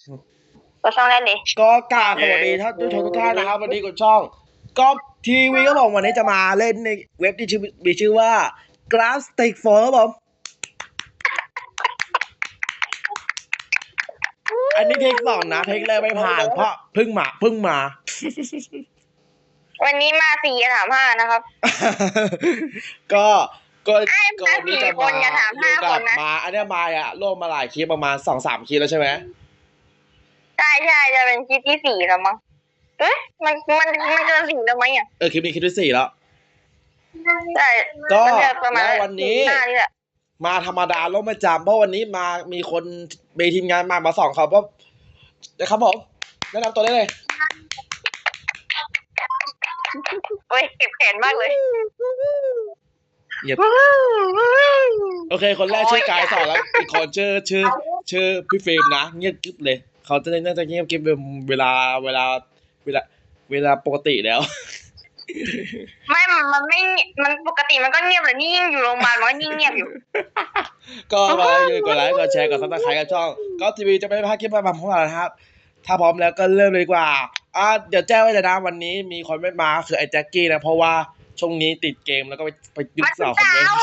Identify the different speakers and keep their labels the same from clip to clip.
Speaker 1: ก็ช่องแรกเลย
Speaker 2: ก็กราบสวัสดีท่านผู้ชมทุกท่านนะครับวันนี้กับช่องก๊อฟทีวีก็บอกวันนี้จะมาเล่นในเว็บที่มีชื่อว่า Graphic 4ครับผมอันนี้เทคสองนะเทคแรกไม่ผ่านเพราะเพิ่งมา
Speaker 1: วันนี้มา4 ถาม 5นะครับ
Speaker 2: ก็ก็
Speaker 1: ไอ้
Speaker 2: ก็วันนี้จะ
Speaker 1: 4 คนอย่าถาม
Speaker 2: อยู่
Speaker 1: 5
Speaker 2: กั
Speaker 1: ค
Speaker 2: บ
Speaker 1: นนะ
Speaker 2: มาอันนี้มาอ่ะร่วมมาหลายคลิปประมาณ 2-3 คลิปแล้วใช่ไหม
Speaker 1: ใช่จะเป็นคลิปที่ 4แล้วมั้งมันเกิน 4แล้วมั้งอ่ะ
Speaker 2: คลิปนี้คลิปที่4แล้ว
Speaker 1: ใช่
Speaker 2: ก็
Speaker 1: มันจะประมาณ
Speaker 2: แล้ววันนี้
Speaker 1: 4-5นี่แหละ
Speaker 2: มาธรรมดาลงไม่จำเพราะวันนี้มีคนมีทีมงานมาสองเขาเพราะนะครับผมแนะนำตัวได้เลย
Speaker 1: โอ้ยเก็บแขนมากเลย
Speaker 2: เงียบโอเค คนแรกชื่อกายสอนแล้วอีกคนชื่อพี่ฟิล์มนะเงียบกิ๊บเลยเขาน่าจะเงียบกิ๊บเวลาปกติแล้ว
Speaker 1: ไม่มันไม่มันปกติมันก็เงียบเลยนี่ยิ่งอยู่โรงพยาบาลมันก็ยิ่งเงียบอยู่
Speaker 2: ก็มาอยู่กดไลค์กดแชร์กดซับสไครต์กับช่องก็ทีวีจะไม่พลาดคลิปใหม่ๆของเรานะครับถ้าพร้อมแล้วก็เริ่มเลยดีกว่าเดี๋ยวแจ้งไว้เลยนะวันนี้มีคนไม่มาคือไอ้แจ็คกี้นะเพราะว่าช่วงนี้ติดเกมแล้วก็ไปยุบสาวคอมเมนต์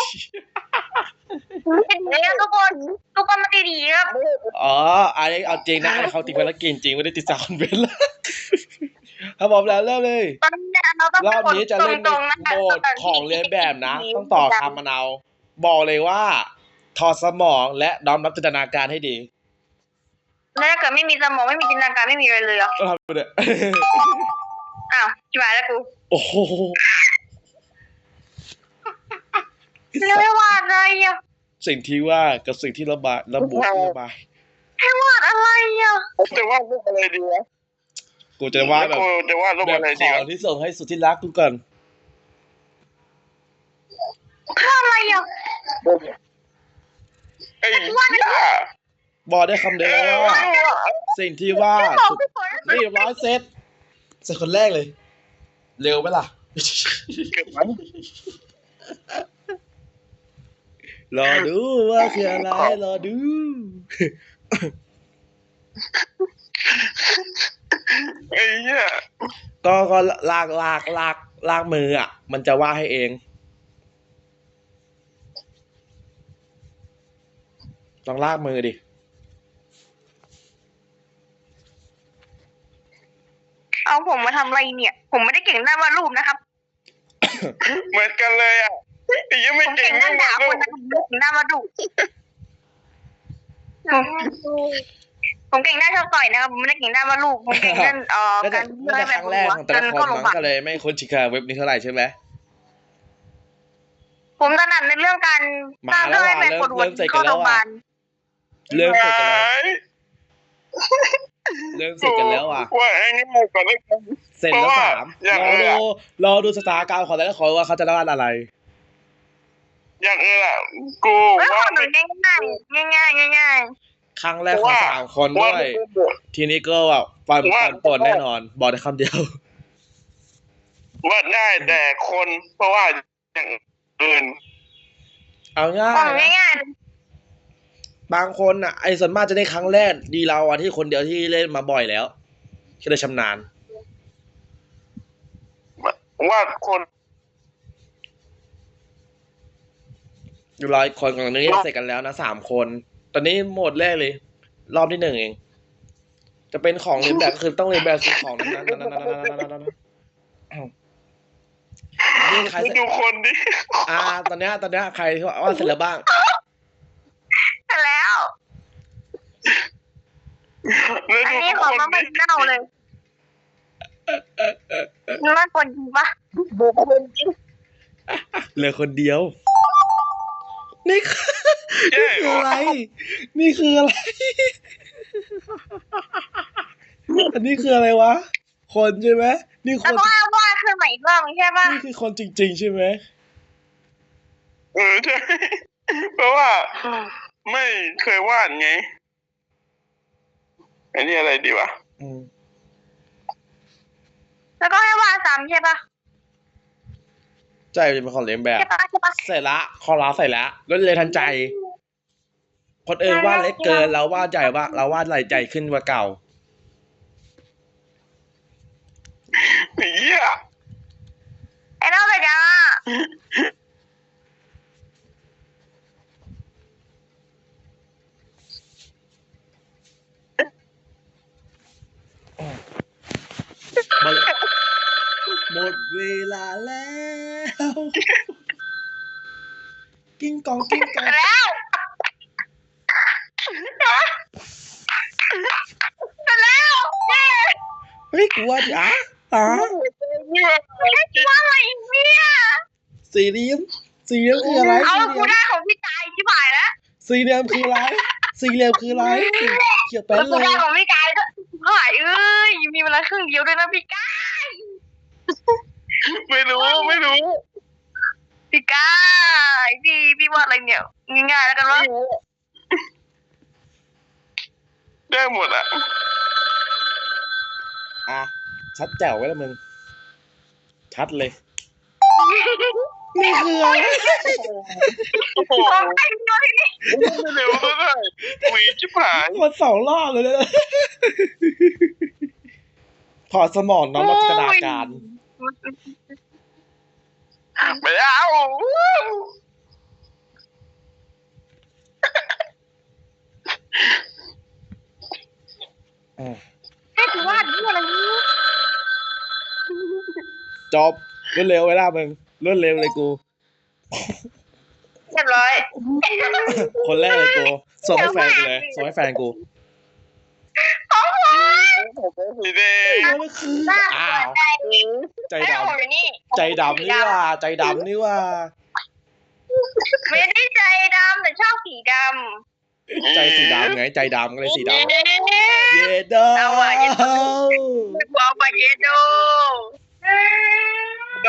Speaker 1: เดี๋ยวทุกคนมาดีๆครับ
Speaker 2: อ๋ออันนี้เอาจริงนะเขาติดภารกิจจริงไม่ได้ติดสาวคอนเวนต์แล้วถ้าพร้อมแล้วเริ่มเลย
Speaker 1: ตอนนี้เราต้อง
Speaker 2: รอบนี้จะเล่นใน
Speaker 1: ตรงๆนะคะ
Speaker 2: โหมดของเรียนแบบนะ ต้องต่อคำมะนาวบอกเลยว่าถอดสมองและน้อมรับจินตนาการให้ดี
Speaker 1: แล้วถ้าเกิดไม่มีสมองไม่มีจินตนาการไม่มีอะไรเลยเหรอ
Speaker 2: ก็ทำไปเลย
Speaker 1: อ้าวชิบหายแล้วกู
Speaker 2: โอ้โห
Speaker 1: ไม่วาดอะไรอ่ะ
Speaker 2: สิ่งที่ว่ากับสิ่งที่ระบาย
Speaker 1: ให้วาดอะไรอ่ะ
Speaker 3: จะวาดรูปอะไรดีวะ
Speaker 2: กูจะว่าแบบ
Speaker 3: จะวาดรูป
Speaker 2: แบบ
Speaker 3: อะไร
Speaker 2: ข
Speaker 3: ดี
Speaker 2: อง
Speaker 3: วะ
Speaker 2: ที่ส่งให้สุดที่รักกูก่อน
Speaker 1: วาดอะไรอ่ะ
Speaker 3: ไอ้ย่า
Speaker 2: บอกได้คำเดียวว่าสิ่งที่ว่าสุดนี่ร้อยเซตคนแรกเลย เร็วไหมล่ะ
Speaker 3: เก็บมัน
Speaker 2: รอดูว่าคืออะไรรอดู
Speaker 3: ไอ้ย่า
Speaker 2: ก็ลากมืออ่ะ มันจะว่าให้เองลองลากมือดิ
Speaker 1: เอาผมมาทำอะไรเนี่ย ผมไม่ได้เก่งด้านวาดรูปนะครับ
Speaker 3: เหมือนกันเลยอ่ะไอ้ยังไม่
Speaker 1: ผม
Speaker 3: เก่
Speaker 1: เก่
Speaker 3: ง
Speaker 1: งด้านด่าคนนะผมไม่เก่งด้านวาดรูปผมเก่งด้านชอบต่อยนะครับผมไม่ได้เก่งด้านวาดรูปผมเก่งด้านการ
Speaker 2: น่าจะครั้งแรกของแต่ละคนมั้งก็เลยไม่คุ้นชินกับเว็บนี้เท่าไหร่ใช่ไหม
Speaker 1: ผมถนัดในเรื่องการสร้างเรื่องให้เป็นปวดหัวเข้าโรงพยาบาล
Speaker 2: เริ่มเสร็จกันแล้วอ่ะ
Speaker 3: ว่าไอ้นี่หมดก่อนเลย
Speaker 2: เสร็จแล้วรอดูสถานการณ์ของแต่ละคนว่าเขาจะวาดอะไร
Speaker 3: อย่างอื่นอ่ะกู
Speaker 1: เฮ้ยข
Speaker 3: ว่า
Speaker 1: อหนูง่าย
Speaker 2: ครั้งแรกของ3 คนด้วย ทีนี้ก็แบบฟันปนแน่นอน บอกได้คำเดียว
Speaker 3: วาดได้แต่คนเพราะว่าอย่างอื่น
Speaker 2: เอาง่าย
Speaker 1: ของง่าย
Speaker 2: บางคนอ่ะไอ้ส่วนมากจะได้ครั้งแรกดีเราอ่ะที่คนเดียวที่เล่นมาบ่อยแล้วก็เลยชำนาญ
Speaker 3: วาดคน
Speaker 2: 100 คนของนี้เสร็จกันแล้วนะ3 คน ตอนนี้โหมดแรกเลย รอบที่1เอง จะเป็นของเรียนแบบก็คือต้องเรียนแบบสิ่งของนั้นนี่ใคร
Speaker 3: ดูคนดิ
Speaker 2: ตอนเนี้ยใครที่ว่าเสร็จแล้วบ้าง
Speaker 1: ๆแต่แล้ว
Speaker 3: แล้ว
Speaker 1: อัน
Speaker 3: ดู
Speaker 1: นี้ข
Speaker 3: ค
Speaker 1: อง
Speaker 3: น
Speaker 1: มา
Speaker 3: ดิ
Speaker 1: เน่าเลยนี่ว่าคนจริงปะบุคคลจริง
Speaker 2: เหลือคนเดียว นี่คืออะไร นี่คืออะไร อันนี้คืออะไรวะ คนใช่ไหมนี่ค
Speaker 1: แล้ว
Speaker 2: น
Speaker 1: ก็วาดขึ้นมาอีกรอบใช่ปะ
Speaker 2: นี่คือคนจริงๆใช่ไหม
Speaker 3: ใช่เพราะว่าไม่เคยวาดไงอันนี้อะไรดีวะ
Speaker 1: แล้วก็ให้วาดซ้ำใช่ปะ
Speaker 2: ใจเป็นของเรียนแบบ
Speaker 1: ใช่ปะ
Speaker 2: เสร็จละคอลาเสร็จแล้วรวดเร็วทันใจคนอื่นวาดเล็กเกินเราวาดใหญ่ว่าเราวาดใหญ่ขึ้นกว่าเก่า
Speaker 3: เหี้ย
Speaker 1: ไอ้เล่าไปจ้า
Speaker 2: หมดหมดเวลาแล้ว กิ้งกองกิ้งกอง
Speaker 1: แล้วแล้วเย้
Speaker 2: เฮ้ยกูว่าดิอ่ะ
Speaker 1: ว่าอะไรเนี่ย
Speaker 2: สี่เหลี่ยมคืออะไร
Speaker 1: เอา
Speaker 2: สี่เห
Speaker 1: กู
Speaker 2: ลี่ยม
Speaker 1: ได้ของพี่กายที่ผ่านแล้ว
Speaker 2: สี่เหลี่ยมคืออะไรสี่เหลี่ยมคืออะไรเขียนเป็น
Speaker 1: แล้ว
Speaker 2: เล
Speaker 1: กูได้
Speaker 2: ย
Speaker 1: ของพี่กายก็หายเอ้ยมีเวลาครึ่งเดียวด้วยนะพี่กาย
Speaker 3: ไม่รู้
Speaker 1: พี่กายพี่ว่าอะไรเนี่ยง่ายๆแล้วกันวะ
Speaker 3: ได้หมดอ่ะ
Speaker 2: อ่ะชัดแจ๋วไว้แล้วมึงชัดเลยนี่คืออะไร
Speaker 3: โอ้โห
Speaker 1: ของใครตัวที่นี่
Speaker 3: ไม่เร็วเลยคุยชิบหาย
Speaker 2: มันสองรอบเลยนะถอดสมองน้องมาจินตนาการ
Speaker 3: ไม่เอา
Speaker 1: ให้กูวาดนี่อะไรนี่
Speaker 2: จบรวดเร็วเวลามึงรวดเร็วเลยกู
Speaker 1: เรียบร้อย
Speaker 2: คนแรกเลยกูส่งให้แฟนกูเลยส่งให้แฟนกู
Speaker 3: สีแดง
Speaker 2: แล้วมันคืออ้าว ใจ
Speaker 1: ให้
Speaker 2: ด
Speaker 1: ผมอยู่นี่
Speaker 2: ำใจดำนี่ว่าใจดำนี่ว่า
Speaker 1: ไม่ได้ใจดำแต่ชอบสีด
Speaker 2: ใจสีดำไงใจดำก็เลยสี
Speaker 1: ำ
Speaker 2: ดำเยโด
Speaker 1: เอาว่ะเยโด ว้าวไปเยโด
Speaker 3: โด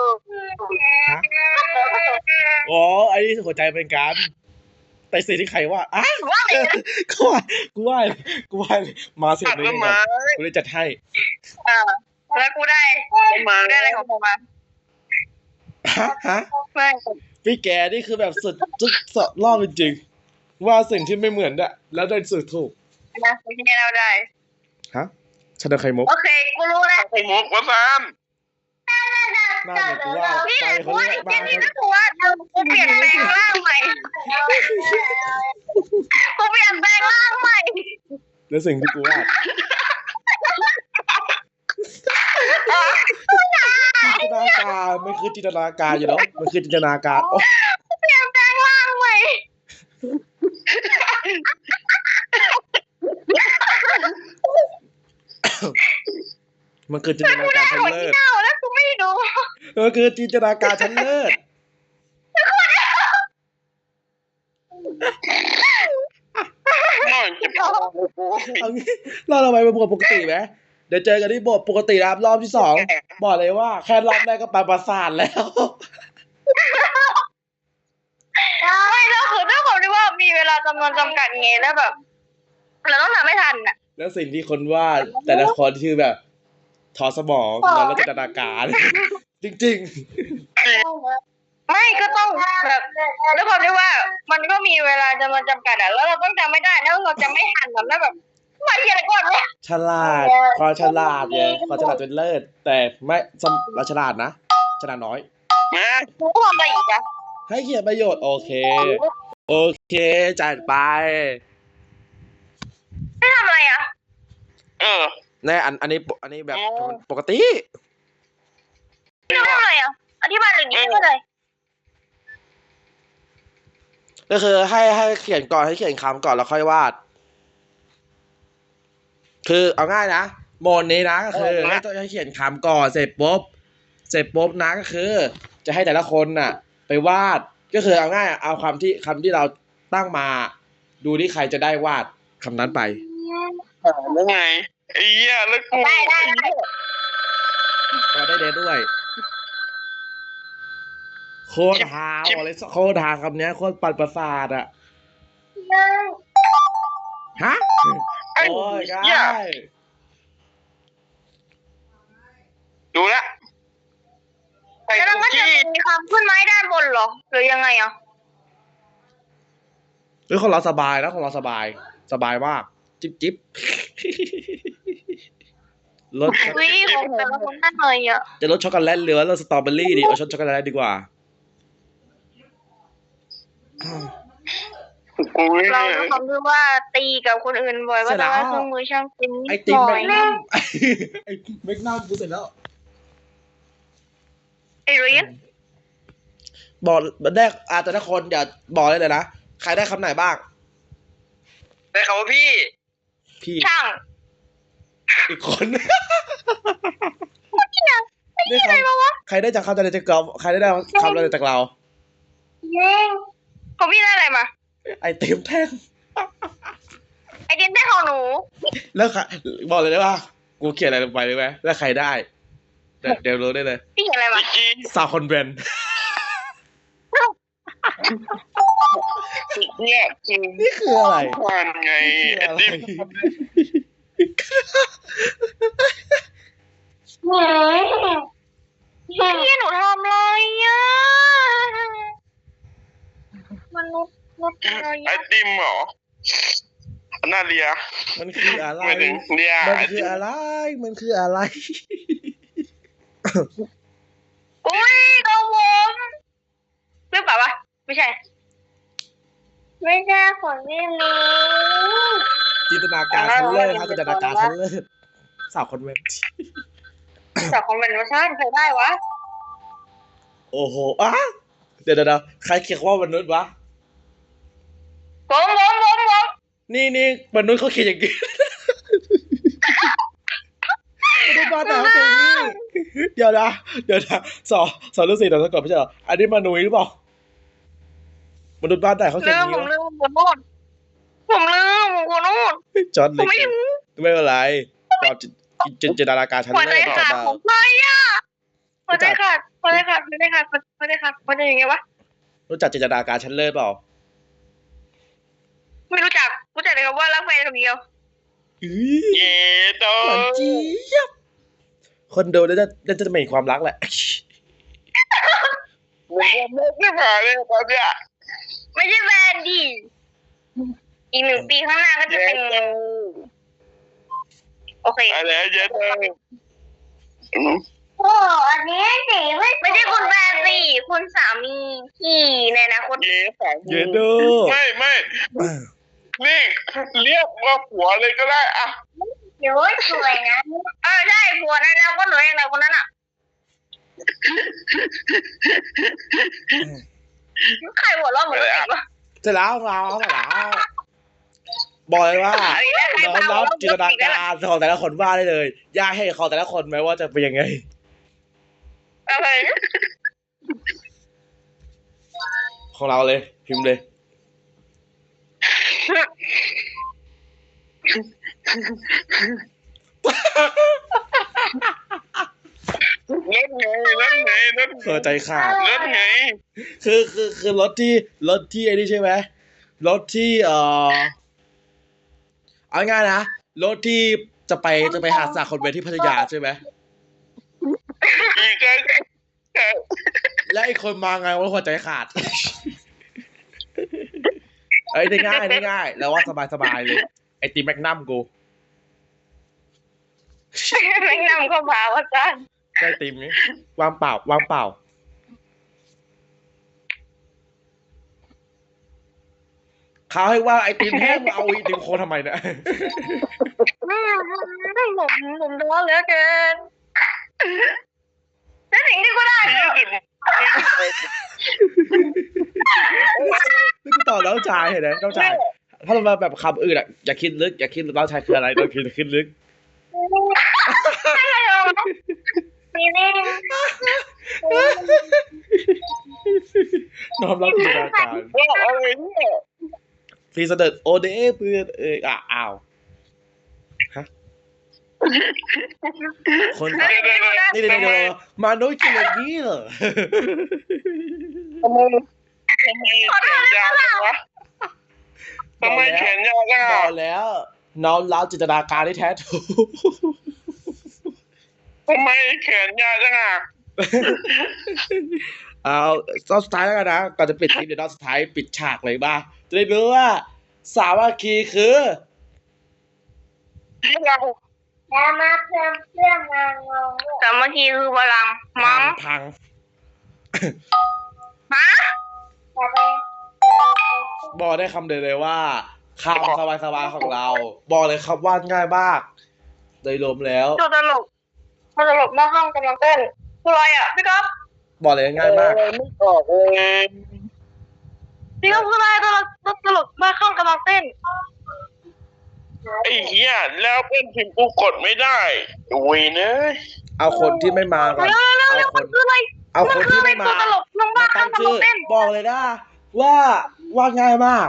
Speaker 2: โอ้ไอ้นี่หัวใจเป็นการแต่สิ่งที่ใครว่าอ่ะ
Speaker 1: ว่าอะไรนะ
Speaker 2: กูว่ามาเสร็จ
Speaker 3: ตัด
Speaker 2: เลย
Speaker 3: ต้นไม้
Speaker 2: กูเลยจัดให้
Speaker 1: แล้วกูได้
Speaker 3: ต้นไม้
Speaker 1: อะไรของผมมา
Speaker 2: ฮะ
Speaker 1: ไม่
Speaker 2: พี่แกนี่คือแบบสุดรอบจริงๆว่าสิ่งที่ไม่เหมือนอะแล้วได้สุดถูก
Speaker 1: นะไม่ใช่เราได้
Speaker 2: ฮะชนะไข่มุก
Speaker 1: โอเคกูรู้แล้ว
Speaker 3: ไข่มุกวะซาน
Speaker 2: หน้าเหมือนกูว่า
Speaker 1: นี่
Speaker 2: ใจ
Speaker 1: กู
Speaker 2: เขา
Speaker 1: ว่า
Speaker 2: เรีย
Speaker 1: อี
Speaker 2: ก
Speaker 1: ก
Speaker 2: บ้า
Speaker 1: ทีนี้กูว่ากูเปลี่ยนแปลงร่างใหม่กูเปลี่ยนแปลงร่างใหม่
Speaker 2: แล้วสิ่งที่กูว่าจินตนาการมันคือจินตนาการอยู่แล้วมันคือจินตนาการโอ้
Speaker 1: เปลี่ยนแปลงร่างใหม่
Speaker 2: มันคือจินตนาการชั้น
Speaker 1: หัว
Speaker 2: เลิ
Speaker 1: ที่
Speaker 2: ศ
Speaker 1: เน่าแล้วกูไม่ดู
Speaker 2: มันคือจินตนาการชั้นเลิศ
Speaker 3: หน่อยจะพอ
Speaker 2: เอางี้เราไปเป็นปกติไหมเดี๋ยวเจอกันที่บทปกตินะครับรอบที่สองบอกเลยว่าแค่รอบแรกก็ไปประสาทแล้ว
Speaker 1: ไม่แล้วคือด้วยความที่ว่ามีเวลาจำนวนจำกัดไงแล้วแบบเราต้องทำให้ทันอ่ะ
Speaker 2: แล้วสิ่งที่คนวาดแต่ละคนคือแบบถอดสมองนอนแล้วจินตนาการ จริง
Speaker 1: ไม่ก็ต้องแบบด้วยความที่ว่า มันก็มีเวลาจำนวนจำกัดอ่ะแล้วเราต้องจำไม่ได้แล้วเราจะไม่ทันแบบแล้วแบบมาเขียนก่อนเลย
Speaker 2: ๆ ฉลาดความฉลาดไงความฉลาดจนเลิศแต่ไม่เราฉลาดนะฉลาดน้อย
Speaker 3: นะ
Speaker 1: กูทำอะไรอีกอ่ะ
Speaker 2: ให้เขียนประโยชน์โอเค โอเคจัดไป
Speaker 1: ไม่ทำอะไรอ่ะ
Speaker 2: แน่อันนี้แบบปกติ
Speaker 1: ไม่ทำอะไรอ่ะอธิบายหน่อยดิไม่เข้าใจ
Speaker 2: ก็คือให้เขียนก่อนให้เขียนคำก่อนแล้วค่อยวาด คือเอาง่ายนะโหมดนี้นะก็คือให้เขียนคำก่อนเสร็จปุ๊บนะก็คือ จะให้แต่ละคนน่ะ ไปวาดก็คือเอาง่ายเอาคำที่เราตั้งมา ดูที่ใครจะได้วาดคำนั้นไป
Speaker 3: แล้วไงไอ้เหี้ยแล้วกู
Speaker 1: ได้
Speaker 2: ก็ได้เดทด้วยโคตรฮาบอกเลยโคตรฮาคำเนี้ยโคตรปั่นประสาทอะฮะ
Speaker 3: ไอ้
Speaker 2: โอ้ย
Speaker 3: เหี้ย
Speaker 2: ได้
Speaker 3: ดูละไข่
Speaker 1: แล้วเรา
Speaker 3: คุก
Speaker 1: ก็จะ
Speaker 3: กี้
Speaker 1: มีความขึ้นไม้ด้านบนเหรอหรือยังไงอ่ะ
Speaker 2: เฮ้ยของเราสบายนะของเราสบายมากจิ๊บจิ๊บรส
Speaker 1: วิของแต่ละคนน่าหน่อยอ่ะ
Speaker 2: จะรสช็อกโกแลตหรือว่ารสสตรอเบอรี่ดีเอาช็อกโกแลตดีกว่า
Speaker 3: อุ้ย
Speaker 1: เราต้องทำด้วยว่าตีกับคนอื่นบ่อยก็จะว่าเครื่องมือช่างเป็นนิ
Speaker 2: ไอ
Speaker 1: ด
Speaker 2: ติ
Speaker 1: ห
Speaker 2: ม
Speaker 1: น่
Speaker 2: แม
Speaker 1: อย
Speaker 2: กนัมไอแมกนัมกูเสร็จแล้ว
Speaker 1: ไอ้เรียน
Speaker 2: บอกแรกแต่ละคนอย่าบอกเลยนะใครได้คำไหนบ้าง
Speaker 4: ได้คำว่าพี่
Speaker 2: พี่
Speaker 1: ช่าง
Speaker 2: อีกคน
Speaker 1: ที่ไหน
Speaker 2: ได้คำใครได้จากคำอะไรจากเราใครได้คำอะไรจากเรา
Speaker 1: ของพี่ได้อะไรมา
Speaker 2: ไอติมแท่ง
Speaker 1: ไอเดียนได้ของหนู
Speaker 2: แล้วบอกเลยได้ว่ากูเขียนอะไรลงไปเลยไหมแล้วใครได้เดี๋ยวรู้ได้เลย
Speaker 1: พี่เห็นอะไรมา
Speaker 3: จริง
Speaker 2: ซาวคอนเวน
Speaker 3: เนี่ยจริง
Speaker 2: นี่คืออะไร
Speaker 3: ทานไง
Speaker 2: นี่คือ
Speaker 3: ไอ้
Speaker 2: อะไร
Speaker 3: ดิบ
Speaker 1: พี่หนูทำอะไรอ่ะมนุษย์อะไร
Speaker 3: ไอ
Speaker 1: อ่ะ
Speaker 3: ติมเหรอน่าเลีย
Speaker 2: มันคืออะไร
Speaker 3: ไม่ถึงเลีย
Speaker 2: มัน
Speaker 3: ไอ
Speaker 2: คื
Speaker 3: ติ
Speaker 2: อ
Speaker 3: ม
Speaker 2: อะไรมันคืออะไร
Speaker 1: อุ้ยของผมหรือเปล่าวะไม่ใช่ ไม่ใช่ของพี่มี
Speaker 2: จินตนาการชั้นเลิศครับจินตนาการชั้นเลิศสาวคอนเวนต์
Speaker 1: แต่ของเป็นเวอร์ชันใครได้วะ
Speaker 2: โอ้โหเดี๋ยวใครเขียนว่ามนุษย์วะ
Speaker 1: ผม
Speaker 2: นี่มนุษย์เขาเขียนอย่างนี้ มนุษย์บ้านไหนเขาเขียนอย่างนี้เดี๋ยวนะสอนฤาษีเดี๋ยวสะกดไม่ใช่เหรออันนี้มนุษย์หรือเปล่ามนุษย์บ้านไหนเขาเขียนอย่างนี้วะ
Speaker 1: ผมลืมขอโทษ
Speaker 2: จอร์ด
Speaker 1: ผ
Speaker 2: เล็
Speaker 1: ม
Speaker 2: ก
Speaker 1: ไม่รู้
Speaker 2: ไม่เป็นไรความจินตนาการชั้น
Speaker 1: หัวใจ
Speaker 2: เลิศ
Speaker 1: ขาด
Speaker 2: มา
Speaker 1: ผมไม่อ่ะหัวใจขาดมันจะยังไงวะ
Speaker 2: รู้จักจินตนาการชั้นเลิศเปล่า
Speaker 1: ไม่รู้จักแต่คำว่ารักแฟนคำเดียว
Speaker 3: เย่โต
Speaker 2: หวานเจี๊ยบคนดูน่าจะไม่เห็นความรักแหละ
Speaker 3: ไม่ได้ผ่านเลยตอนเนี้ย
Speaker 1: ไม่ใช่แฟนดิอีก1 ปีข้างหน้าก็จะเป็น โอเค
Speaker 3: อะไรเย่โต
Speaker 1: โอ้อันนี้สิไม่ใช่คุณแฟนสิคุณสามีพี่ในอนาคต
Speaker 3: เย่สาม
Speaker 2: เยดโด
Speaker 3: ไม่นี่เรียกว่าผัวเลยก็ได้อะ
Speaker 1: เดี๋ยวสวยนะใช่ผัวในอนาคตหนูเองนะคนนั้นอ่ะใครหัวเราะเหมือนกันวะ
Speaker 2: เสร็จแล้วบอกเลยว่าน้อมรับจินตนาการของแต่ละคนว่าได้เลยยากให้ของแต่ละคนไหมว่าจะเป็นยังไง
Speaker 1: อะไร
Speaker 2: ของเราเลยพิมพ์เลย
Speaker 3: เล่นไง
Speaker 2: เออใจขาด
Speaker 3: เล่นไง
Speaker 2: คือรถที่ไอ้นี่ใช่ไหมรถที่เอาง่ายๆนะรถที่จะไปหาสาวคนเวที่พัทยาใช่ไหม
Speaker 3: อีกแค่
Speaker 2: และไอ้คนมาไงว่าหัวใจขาด เอ้ยได้ง่ายแล้วว่าสบายเลยไอติมแมกนัมกู
Speaker 1: แม่งนำเข้ามาว่าจ้า
Speaker 2: ไอติมนี้วางเปล่าเขาให้ว่าไอติมแห้งมาเอาไอติมโคนทำไมเนี่ย
Speaker 1: ผมท้อเหลือเกินแล้วสิ่งที่กูได้
Speaker 3: 20
Speaker 2: นี่กูตอบแล้วชายเห็นไหมเจ้าชายถ้าเรามาแบบคำอื่นอ่ะอย่าคิดลึกอย่าคิดเจ้าชายคืออะไรต้องคิดลึก
Speaker 1: นี่นี่
Speaker 2: น้อมรับจินตนาการ
Speaker 3: ว่าอะไรเนี่ย
Speaker 2: พรีเสด็จโอเดเพื่อนอ้าวฮะคน
Speaker 1: แล้วสิ่งที่กูได้
Speaker 2: นี่เดี๋ยวมาโน้ยกินอย่างนี้เหรอ
Speaker 3: ทำไมแขนยาวจังวะทำไมแขนยาวจัง
Speaker 2: บ
Speaker 3: อ่ะ
Speaker 2: อกแล้ว น้อมรับจินตนาการที่แท้ถูก
Speaker 3: ทำไมแขนยาวจังอ่ะ
Speaker 2: เอาตอนสุดท้ายแล้วกันนะก่อนจะปิดคลิปเดี๋ยวตอนสุดท้ายปิดฉากเลยบ้าจะได้รู้ว่าสามัคคีคือ
Speaker 3: อย่ามาเพื่อนงานงง
Speaker 1: สามัคคีคือพลัง
Speaker 2: พั
Speaker 1: มั้
Speaker 2: ง
Speaker 1: ง
Speaker 2: พัง
Speaker 1: ฮะ
Speaker 3: อย่าไป
Speaker 2: บอกได้คำเดียวเลยว่าคำสบายๆของเรา บอกเลยครับว่าง่ายมากโดยรวมแล้ว
Speaker 1: ตัวตลกหน้าห้องกำลังเต้นคืออะไรอ่ะพี่ก๊อฟ
Speaker 2: บอกเลยง่ายมาก
Speaker 4: ไม่ออกเลย
Speaker 1: พี่ก๊อฟคืออะไรตัวตลกหน้าห้องกำลังเต้น
Speaker 4: ไอ้เหี้ยแล้วเป็นพิมพ์กูกดไม่ได้เวยเนย
Speaker 2: เอาคนที่ไม่มาก่อน
Speaker 1: เร็วมันคืออะไร
Speaker 2: เอาคนที่ไม่มา
Speaker 1: ตัวตลกน้องบ้า
Speaker 2: มา
Speaker 1: ข้า
Speaker 2: ตั้
Speaker 1: ง
Speaker 2: ง
Speaker 1: กำลั
Speaker 2: ชื่
Speaker 1: ง
Speaker 2: อ
Speaker 1: เต้น
Speaker 2: บอกเลยนะว่าง่ายมาก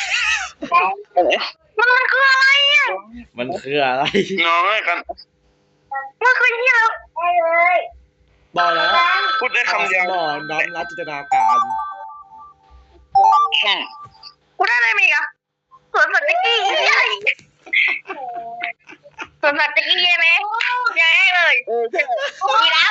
Speaker 1: มันคืออะไรอ่ะ
Speaker 2: มันคืออะไร
Speaker 4: น้องให้กัน
Speaker 1: มันคือเหี้ยแล้ว
Speaker 3: ได้เลย
Speaker 2: บอกแล้ว
Speaker 4: พูดได้คำเดียว
Speaker 2: สมองน้อมรับจินตนาการ
Speaker 1: กูได้อะไรมาอีกอ่ะสวนสัตว์ตะกี้สวนสัตว์ตะกี้ใช่ไหมใช่เลยมีแล้ว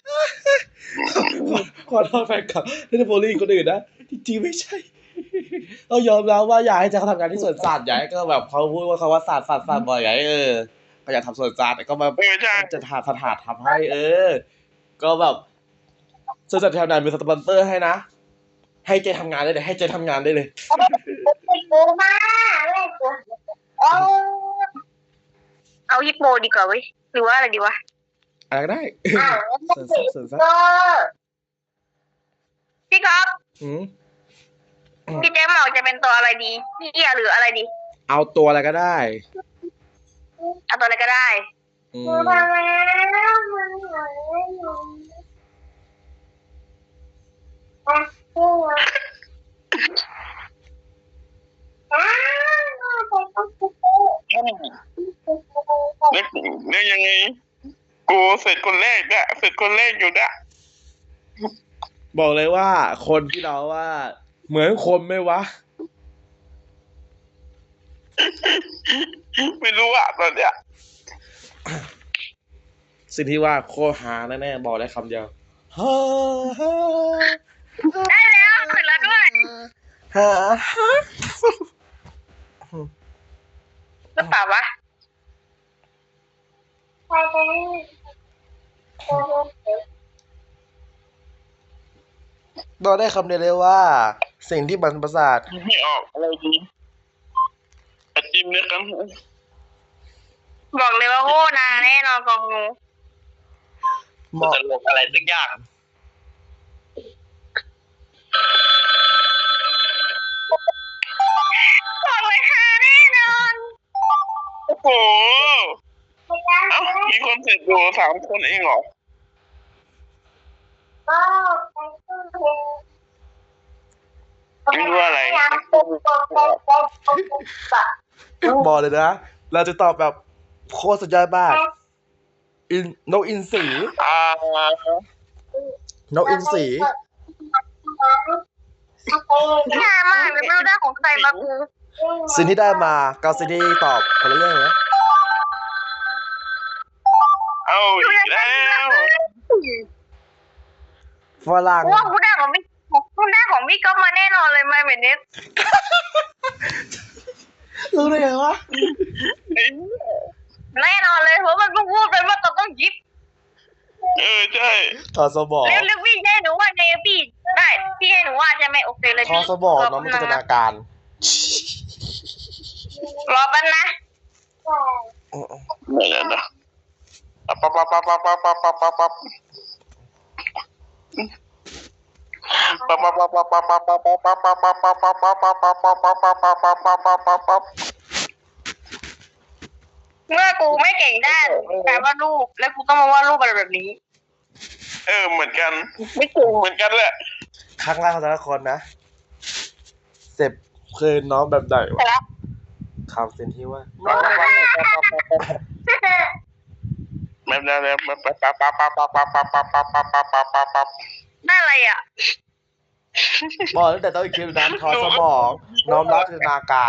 Speaker 2: ขอโทษแฟนคลับที่ได้โบลิ่งคนอื่นนะจริงๆไม่ใช่เรายอมรับว่าอยากให้แจ็คเขาทำงานที่สวนสัตว์อยากให้ก็แบบเขาพูดว่าเขาว่าสัตว์บ่อยไงก็อยากทำสวนสัตว์แต่ก็มา
Speaker 4: ใช่
Speaker 2: จะหาสถานทำให้ก็แบบสวนสัตว์แถวนั้นมีสปอนเซอร์ให้นะให้เจทำงานได้เลยให้เจทำงานได้เลย
Speaker 3: กูมาเลยกูโอ้
Speaker 1: เอาฮิปโปดีกว่าเว้ยหรือว่าอะไรดีวะ
Speaker 2: อะไรก็ได้
Speaker 3: อ้าว
Speaker 2: สวนสัตว์
Speaker 3: ก็
Speaker 1: พี่ก๊อฟ
Speaker 2: อืม
Speaker 1: พี่แจ๊คบอกจะเป็นตัวอะไรดีพี่เอียหรืออะไรดี
Speaker 2: เอาตัวอะไรก็ได้
Speaker 1: เอาตัวอะไรก็ได้
Speaker 2: อื
Speaker 3: กู
Speaker 2: ม
Speaker 3: มาแล้วมึงหายอยู่อ่ะกูอ้าวไปต้องกู
Speaker 4: แล้วยังไงกูเสร็จคนแรกอะเสร็จคนแรกอยู่นะ
Speaker 2: บอกเลยว่าคนที่เราว่า เหมือนคนไหมวะ
Speaker 4: ไม่รู้อะตอนเนี้ย
Speaker 2: สิ่งที่ว่าโคตรหาแน่ๆบอกได้คำเดียวฮ่า
Speaker 1: ได้แล้วเสร็จแล้วด้วย
Speaker 2: ฮ่า
Speaker 1: หรือเปล่าวะ
Speaker 3: ไปกันกู
Speaker 2: บอกได้คำเดียวเลยว่า สิ่งที่มันประสาท
Speaker 4: ไม่ออกอะไรดีอาจิ้มด้วยกัน
Speaker 1: บอกเลยว่าโคตรนาแน่นอนกองงู
Speaker 2: เหมาะ
Speaker 4: ตลกอะไรสักอย่าง
Speaker 1: บอกเลยฮาแน่นอน
Speaker 4: โอ้โหเอ้ามีคนเสร็จอยู่3 คนเองเหรอ
Speaker 3: ก็ไปตู้เย็น
Speaker 4: ไม่รู้อะไร
Speaker 2: บอกเลยนะ เราจะตอบแบบโคตรสุดยอดมากนกอินทรี นกอินทรี
Speaker 1: ฮามากเลยไม่รู้ได้ของใครมากู
Speaker 2: สิ่งที่ได้มากับสิ่งที่ตอบคนละเรื่องเลยนะ
Speaker 4: เอาอีกแล้ว
Speaker 2: ฝรั่ง
Speaker 1: ว่ากูได้ของพี่ก๊อฟมาแน่นอนเลยมาแบบนี้
Speaker 2: รู้ได้ไงวะ
Speaker 1: แน่นอนเลยเพราะมันเพิ่งพูดไปว่าต้องยิบ
Speaker 4: ใช่
Speaker 2: ทอสมอง
Speaker 1: เร็วพี่ให้หนูว่าไงพี่ได้พี่ให้หนูว่าจะไม่โอเคเลย
Speaker 2: ทอ
Speaker 1: พี่
Speaker 2: สมองน้องมีจินตนาการ
Speaker 1: รอแป๊บนะ
Speaker 4: ไม่แล้วนะปั๊บ
Speaker 1: เมื่อกูไม่เก่งด้านการวาดรูปแล้วกูต้องมาวาดรูปอะไรแบบนี้
Speaker 4: เหมือนกัน ไม่เก่งเหมือนกันแหละ
Speaker 2: ครั้งแรกของแต่ละคนนะเสร็จเคยน้องแบบไหน
Speaker 1: เสร็จ
Speaker 2: วะ
Speaker 1: แล้ว
Speaker 2: คำสิ่งที่ว่า
Speaker 4: แบบนั้นแล้วปั๊บ
Speaker 1: ได้อะไรอ่ะ
Speaker 2: บอกตั้งแต่ต้นคลิปนั้นทอสมองน้อมรับจินตนาการ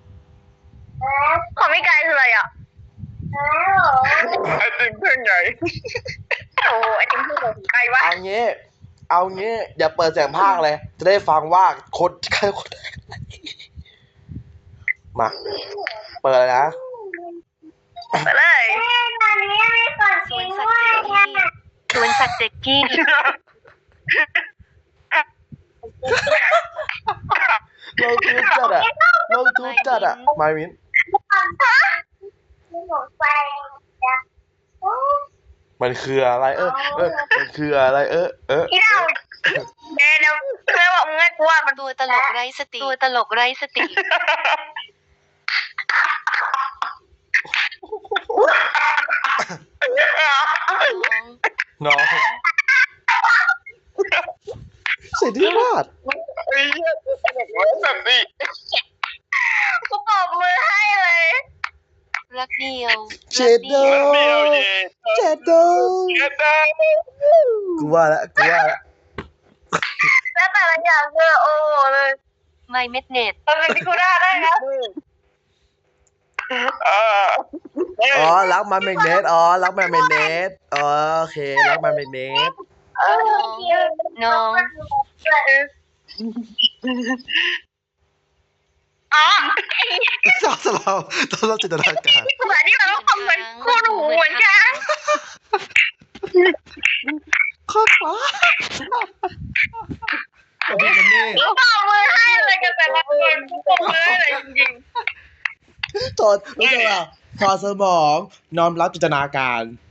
Speaker 1: ของพี่กายคืออะไรอ่ะ
Speaker 4: ไอ้ติ่งเพื่อนใหญ่
Speaker 1: โอ้ไอติมพูดของใครวะ
Speaker 2: เอางี้อย่าเปิดเสียงภาคเลย จะได้ฟังว่าคนใครคนมาเปิดเลยนะ
Speaker 1: ไปเลย
Speaker 3: สวนสัตว์เจ๊กกี้
Speaker 2: ลงทุนจัดอะลงทุนจัดอะไม่มิ้นมันคืออะไรมันคืออะไร
Speaker 1: พี่ดาวเดี๋ยวเพื่อนบอกมึงให้กูว่ามัน
Speaker 3: ตัวตลกไร้สติตัวตลกไร้สติ
Speaker 2: น้องเสียที่วาด
Speaker 4: ไอ้เหี้ยแบบนี้
Speaker 1: กูปรบมือให้เลย
Speaker 3: รักเดียว
Speaker 2: เจ็ดโด
Speaker 4: เดียวเย่
Speaker 2: เจ็ดโด
Speaker 4: เจ็ดดาว
Speaker 2: กูว่าแล้ว
Speaker 1: แล้วแต่ละอย่างคือโอ้โหเลย
Speaker 3: ไม่เม็ดเน็ต
Speaker 1: มันเป็นพิคุด้าได้นะ
Speaker 2: อ๋อรักมันเมกเนตรักมันเมกเนตโอเครักมันเมกเนต
Speaker 3: น้อง
Speaker 1: อ๋อ
Speaker 2: เราจินตนาการ
Speaker 1: ภาษาที่มันต้องทำเหมือนคู่หูเหมือนกัน
Speaker 2: โคตรฟ้าโอ้โหนี่
Speaker 1: กูปรบมือให้เลยกันแต่ละคนกูปรบมือให้เลยจริง
Speaker 2: ถอดรู้จักป่ะถอดสมองน้อมรับจินตนาการ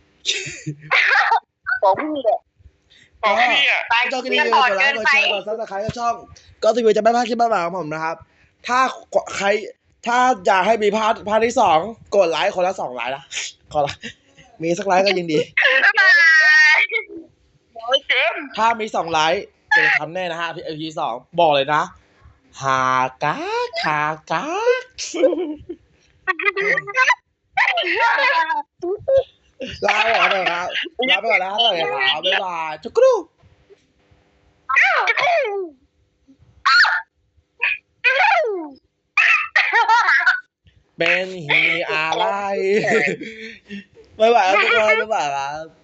Speaker 1: ๆผมพี่
Speaker 2: ก็
Speaker 4: เหี้ย
Speaker 2: ช่องก็ดีกดไลค์กดแชร์กดซับสไครต์กับช่องก็ทีวีจะไม่พลาดคลิปใหม่ๆของผมนะครับถ้าใครถ้าอยากให้มีพาร์ทที่2กดไลค์คนละ2ไลค์นะขอละมีสักไลค์ก็ยิ่งดี
Speaker 1: บ๊ายบายโอ้ยเจม
Speaker 2: ถ้ามี2ไลค์จะทำแน่นะฮะพี่2บอกเลยนะหากากลาไปก่อนนะครับลาไปก่อนนะครับสวัสดีครับบ๊ายบายจุกรูเป็นฮีอะไรบ๊ายบายครับทุกคนบ๊ายบายครับ